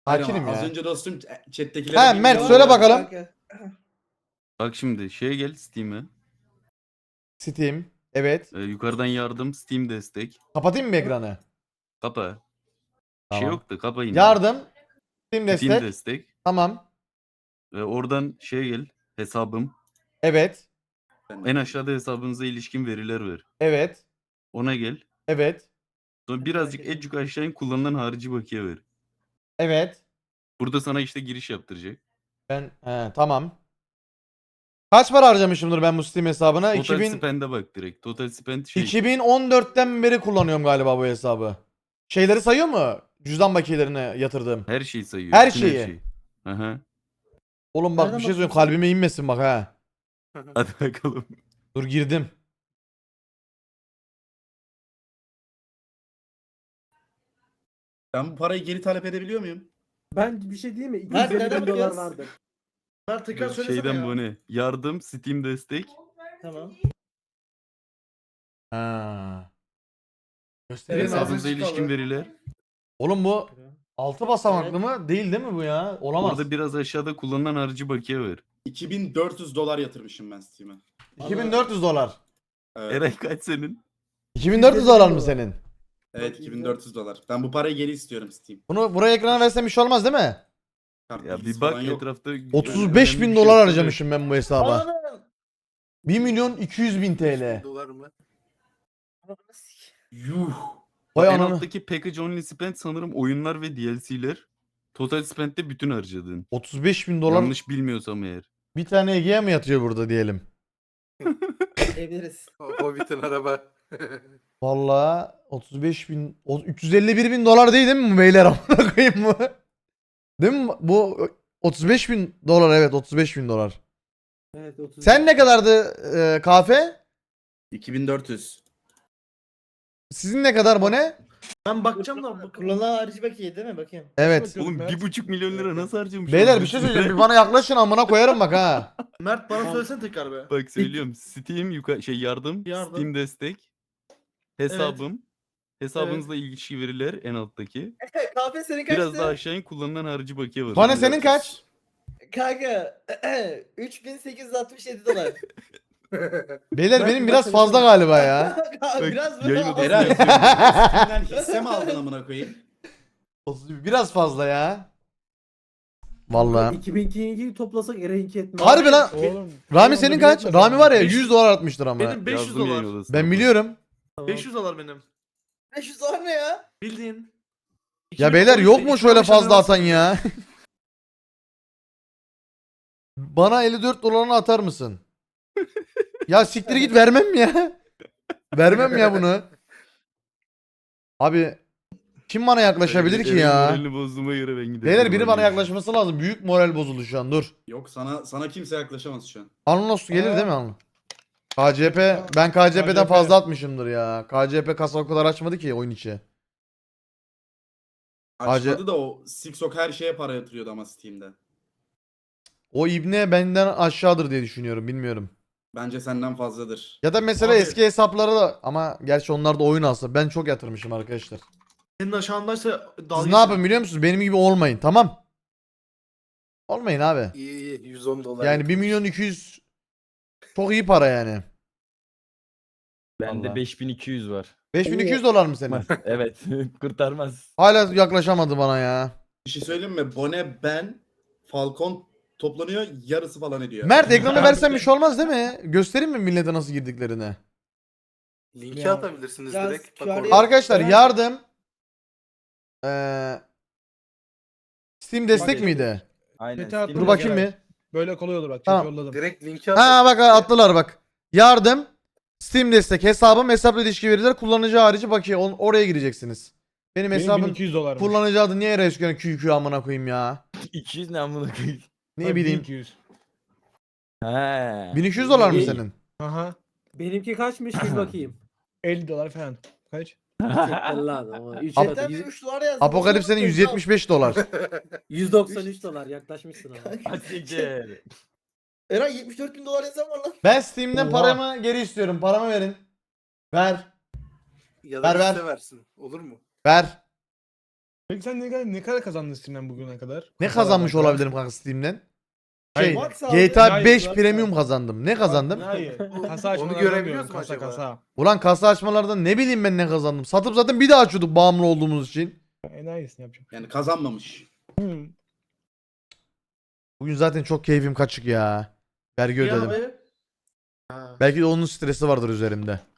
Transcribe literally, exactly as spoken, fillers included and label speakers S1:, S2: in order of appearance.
S1: Hakinim
S2: Az
S1: ya.
S2: önce dostum chat'tekilere...
S1: Ha Mert söyle bakalım.
S3: Bak şimdi şeye gel Steam'e.
S1: Steam. Evet.
S3: Ee, yukarıdan yardım Steam destek.
S1: Kapatayım mı ekranı?
S3: Kapa. Bir şey
S1: Tamam.
S3: yoktu kapa yine.
S1: Yardım. Steam
S3: Steam
S1: destek.
S3: destek.
S1: Tamam.
S3: Ve oradan şeye gel hesabım.
S1: Evet.
S3: En aşağıda hesabınıza ilişkin veriler ver.
S1: Evet.
S3: Ona gel.
S1: Evet.
S3: Sonra birazcık edcük aşağı in kullanılan harici bakiye ver.
S1: Evet.
S3: Burada sana işte giriş yaptıracak.
S1: Ben he, tamam. Kaç para harcamışımdır ben bu Steam hesabına?
S3: Total
S1: iki bin,
S3: spend'e bak direkt. Total spend şey.
S1: iki bin on dörtten beri kullanıyorum galiba bu hesabı. Şeyleri sayıyor mu? Cüzdan bakiyelerini yatırdığım.
S3: Her şeyi sayıyor.
S1: Her
S3: bütün
S1: şeyi.
S3: şeyi. Aha.
S1: Oğlum bak
S4: Nereden
S1: bir şey söyleyeyim
S4: bakıyorsun?
S1: kalbime inmesin bak ha.
S3: Hadi bakalım.
S1: Dur girdim.
S2: Ben bu parayı geri talep edebiliyor muyum?
S4: Ben bir şey diyeyim mi?
S5: Mert,
S4: iki yüz elli
S5: nereden
S4: bin dolar
S5: bakıyoruz?
S4: vardı.
S5: Mert tekrar söylesene
S3: Şeyden
S5: ya.
S3: bu ne? Yardım Steam destek.
S5: Tamam.
S1: Ha.
S5: Benim
S1: Göstereyim
S5: ağzım-
S1: abi.
S3: Hesabınıza
S5: azıcık
S3: ilişkin
S5: kaldı.
S3: veriler.
S1: Oğlum bu altı basamaklı mı? Değil değil mi bu ya? Olamaz.
S3: Orada biraz aşağıda kullanılan harici bakiye ver.
S2: iki bin dört yüz dolar yatırmışım ben Steam'e.
S1: iki bin dört yüz dolar.
S2: Evet,
S3: Eray kaç senin?
S1: iki bin dört yüz dolar mı senin?
S2: evet iki bin dört yüz dolar. Ben bu parayı geri istiyorum Steam.
S1: Bunu buraya ekrana versem bir şey olmaz değil mi?
S2: Kart
S3: Ya
S2: bilgisi
S3: bir bak
S2: falan yok.
S3: etrafta.
S1: otuz beş
S3: önemli
S1: bin
S3: bir
S1: dolar
S3: şey yok.
S1: harcamışım ben bu hesaba.
S5: Ananı.
S1: bir milyon iki yüz bin T L.
S5: Dolar mı? Ananı sik.
S2: Yuh.
S1: Vay
S3: En
S1: ananı.
S3: alttaki package only spend sanırım oyunlar ve D L C'ler. Total spend'de bütün harcadığın.
S1: otuz beş bin dolar
S3: Yanlış bilmiyorsam eğer.
S1: bir tane Ege'ye mi yatıyor burada diyelim.
S5: Evleriz.
S6: Hobbit'in araba.
S1: Vallahi otuz beş bin, o- üç yüz elli bir bin dolar değil değil mi bu beyler amına koyayım bu? Değil mi bu otuz beş bin dolar evet otuz beş bin dolar.
S4: Evet, otuz.
S1: Sen ne kadardı e, kahve?
S2: iki bin dört yüz.
S1: Sizin ne kadar bu ne?
S5: Ben bakacağım da bu kullanılan harici bakiye değil mi? Bakayım.
S1: Evet.
S3: Oğlum bir buçuk milyon lira nasıl harcamış?
S1: Beyler
S3: oğlum?
S1: bir şey söyleyeceğim bir bana yaklaşın amına koyarım bak ha.
S5: Mert bana söylesene tekrar be.
S3: Bak söylüyorum. Steam yukarı şey yardım,
S5: Yardım.
S3: Steam destek, hesabım, hesabınızla ilişki veriler en alttaki.
S5: Kahve senin kaçtı?
S3: Biraz daha aşağı in kullanılan harici bakiye var.
S1: Bana senin kaç?
S5: Kanka üç bin sekiz yüz altmış yedi dolar.
S1: Beyler
S4: Ben-
S1: benim
S4: ben
S1: biraz
S4: sana
S1: fazla galiba ya.
S3: Bak,
S5: Biraz
S3: yayın
S5: böyle
S3: odasında
S2: Eray.
S3: yazıyor.
S2: Steam'den hisse mi aldın amına koyayım?
S1: Biraz fazla ya. Vallahi.
S4: iki bin ikiyi toplasak Eray'inki etmez.
S1: Harbi lan.
S4: Oğlum.
S1: Rami senin kaç? Rami var ya
S5: Beş-
S1: yüz dolar atmıştır ama.
S5: Benim beş yüz
S3: Yazdım yayın
S5: dolar.
S3: odasına.
S1: Ben biliyorum.
S4: Tamam.
S5: beş yüz dolar benim. beş yüz dolar ne ya? Bildiğin.
S1: Ya beyler yok mu şöyle fazla atan ya? Bana elli dört dolarını atar mısın? Ya siktir git vermem ya. Vermem ya bunu. Abi kim bana yaklaşabilir ki
S3: Eray'in
S1: ya?
S3: Moralini bozduğuma göre ben giderim.
S1: Beyler biri bana
S3: Hadi.
S1: yaklaşması lazım. Büyük moral bozuldu şu an dur.
S2: Yok sana sana kimse yaklaşamaz şu an.
S1: Anlos gelir değil mi Anlos? K C P ben K C P'den fazla atmışımdır ya. K C P kasa o kadar açmadı ki oyun içi.
S2: Açmadı da o Sixok her şeye para yatırıyordu ama Steam'de.
S1: O ibne benden aşağıdır diye düşünüyorum bilmiyorum.
S2: Bence senden fazladır.
S1: Ya da mesela
S5: Abi-
S1: eski hesaplara da ama gerçi onlar da oyun alsa ben çok yatırmışım arkadaşlar.
S5: Senin aşağındaysa
S1: Siz ne yapın biliyor musunuz? Benim gibi olmayın tamam. Olmayın abi.
S6: İyi iyi yüz on dolar.
S1: Yani bir milyon iki yüz çok iyi para yani.
S7: Bende
S1: Vallahi.
S7: beş bin iki yüz var.
S1: beş bin iki yüz dolar mı senin?
S7: Evet, kurtarmaz.
S1: Hala yaklaşamadı bana ya.
S2: Bir şey söyleyeyim mi? Bone, ben, Falcon toplanıyor yarısı falan ediyor.
S1: Mert ekrana versen bir şey olmaz değil mi? Göstereyim mi millete nasıl girdiklerini?
S6: Linki
S4: Ya.
S6: atabilirsiniz
S5: Ya,
S6: direkt. Bak
S5: Q R
S6: orada.
S1: Arkadaşlar
S5: Ben-
S1: yardım. Ee, Steam destek
S7: Bak-
S1: miydi?
S7: Aynen.
S8: Chat'e attım
S1: Dur
S8: ya,
S1: bakayım
S8: Geray.
S1: bir.
S8: Böyle kolay olur bak. Chat
S1: Tamam.
S8: yolladım.
S6: Direkt linki at.
S1: Ha bak attılar bak. Yardım. Steam destek hesabım hesapla ilişki veriler kullanıcı harici bakiye On- oraya gireceksiniz. Benim
S8: Benim
S1: hesabım
S8: bin iki yüz dolar.
S1: kullanıcı adı niye Resken Q Q amına koyayım ya.
S7: iki yüz ne amına koyayım.
S1: Ne bileyim.
S8: bin iki yüz.
S7: He.
S1: bin iki yüz dolar mı
S4: İyi.
S1: senin?
S8: Aha.
S4: Benimki kaçmış bir bakayım.
S8: elli dolar falan. Kaç?
S4: Allah ama. üç
S1: Ap-
S5: Chatten bir
S4: yüz-
S5: üç dolar yazdı.
S1: Apokalips senin yüz yetmiş beş dolar.
S4: yüz doksan üç dolar yaklaşmışsın ama.
S7: Hadi siktir.
S5: Eray yetmiş dört bin dolar yazan var lan.
S1: Ben Steam'den
S8: Oha.
S1: paramı geri istiyorum. Paramı verin. Ver.
S6: Ya da
S1: Ver, ver.
S6: liste versin. Olur mu?
S1: Ver.
S8: Peki sen ne kadar, ne kadar kazandın Steam'den bugüne kadar?
S1: Ne
S8: Kasalardan
S1: kazanmış
S8: kadar.
S1: olabilirim kanka Steam'den?
S8: Hayır,
S1: Şey,
S5: Max
S1: G T A
S8: Hayır,
S1: beş
S8: Max
S1: Premium
S8: al.
S1: kazandım. Ne kazandım?
S8: Hayır. Kasa
S6: Onu
S8: açmalardan
S6: görebiliyoruz
S8: diyorum,
S6: mu
S8: kasa
S6: acaba?
S8: kasa.
S1: Ulan kasa açmalardan ne bileyim ben ne kazandım. Satıp zaten bir daha açıyorduk bağımlı olduğumuz için.
S8: Enayisin yapacağım.
S2: Yani kazanmamış.
S8: Hmm.
S1: Bugün zaten çok keyfim kaçık ya. Vergi
S2: Ya
S1: ödedim.
S2: abi.
S6: Ha.
S1: Belki de onun stresi vardır üzerimde.